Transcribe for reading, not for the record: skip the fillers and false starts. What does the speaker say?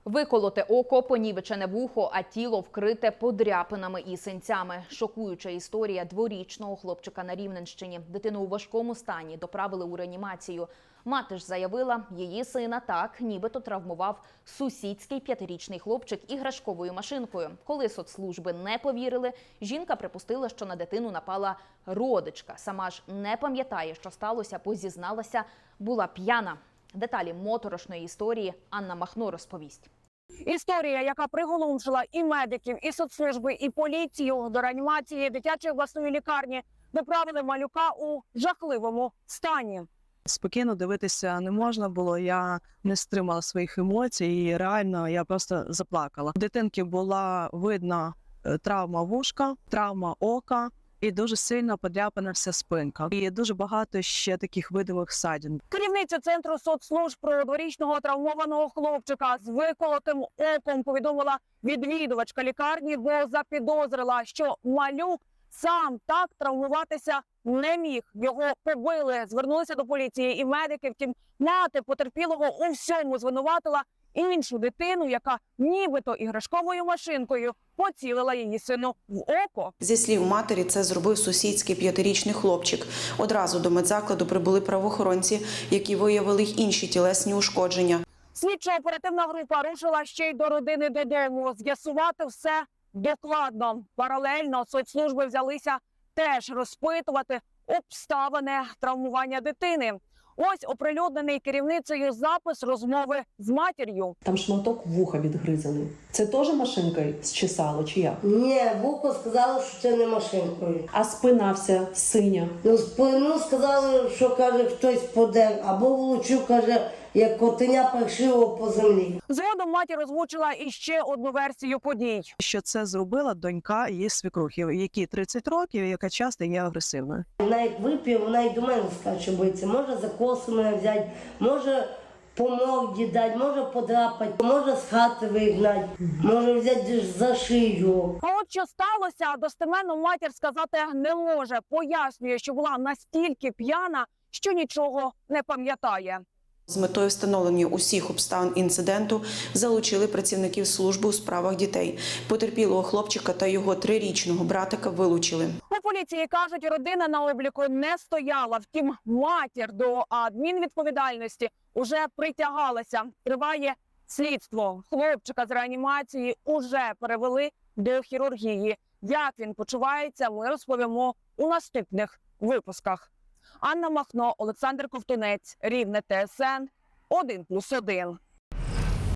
Виколоте око, понівечене вухо, а тіло вкрите подряпинами і синцями. Шокуюча історія дворічного хлопчика на Рівненщині. Дитину у важкому стані доправили у реанімацію. Мати ж заявила, її сина так нібито травмував сусідський 5-річний хлопчик іграшковою машинкою. Коли соцслужби не повірили, жінка припустила, що на дитину напала родичка. Сама ж не пам'ятає, що сталося, бо зізналася, була п'яна. Деталі моторошної історії Анна Махно розповість. Історія, яка приголомшила і медиків, і соцслужби, і поліцію. До реанімації дитячої обласної лікарні доправили малюка у жахливому стані. Спокійно дивитися не можна було, я не стримала своїх емоцій і реально я просто заплакала. У дитинки була видна травма вушка, травма ока і дуже сильно подряпана вся спинка. І дуже багато ще таких видимих ссадин. Керівниця Центру соцслужб про дворічного травмованого хлопчика з виколотим оком повідомила відвідувачка лікарні, бо запідозрила, що малюк сам так травмуватися не міг. Його побили, звернулися до поліції і медики. Втім, мати потерпілого у всьому звинуватила іншу дитину, яка нібито іграшковою машинкою поцілила її сину в око. Зі слів матері, це зробив сусідський 5-річний хлопчик. Одразу до медзакладу прибули правоохоронці, які виявили й інші тілесні ушкодження. Слідчо-оперативна група рушила ще й до родини додому. З'ясувати все докладно. Паралельно соцслужби взялися теж розпитувати обставини травмування дитини. Ось оприлюднений керівницею запис розмови з матір'ю. Там шматок вуха відгризаний. Це теж машинкою зчесало чи як? Ні, вухо сказали, що це не машинкою. А спина вся синя. Ну, спину сказали, що, каже, хтось подер, або влучив, каже, як котеня паршиво по землі. Згодом матір озвучила іще одну версію подій. Що це зробила донька її свекрухи, якій 30 років, яка часто є агресивною. Вона як вип'є, вона й до мене скаче биться. Може за коси мене взяти, може по морді дати, може подрапати, може з хати вигнати, може взяти за шию. А от що сталося, достеменно матір сказати не може. Пояснює, що була настільки п'яна, що нічого не пам'ятає. З метою встановлення усіх обставин інциденту залучили працівників служби у справах дітей. Потерпілого хлопчика та його 3-річного братика вилучили. У поліції кажуть, родина на обліку не стояла. Втім, матір до адмінвідповідальності уже притягалася. Триває слідство. Хлопчика з реанімації уже перевели до хірургії. Як він почувається, ми розповімо у наступних випусках. Анна Махно, Олександр Ковтунець, Рівне, ТСН 1+1.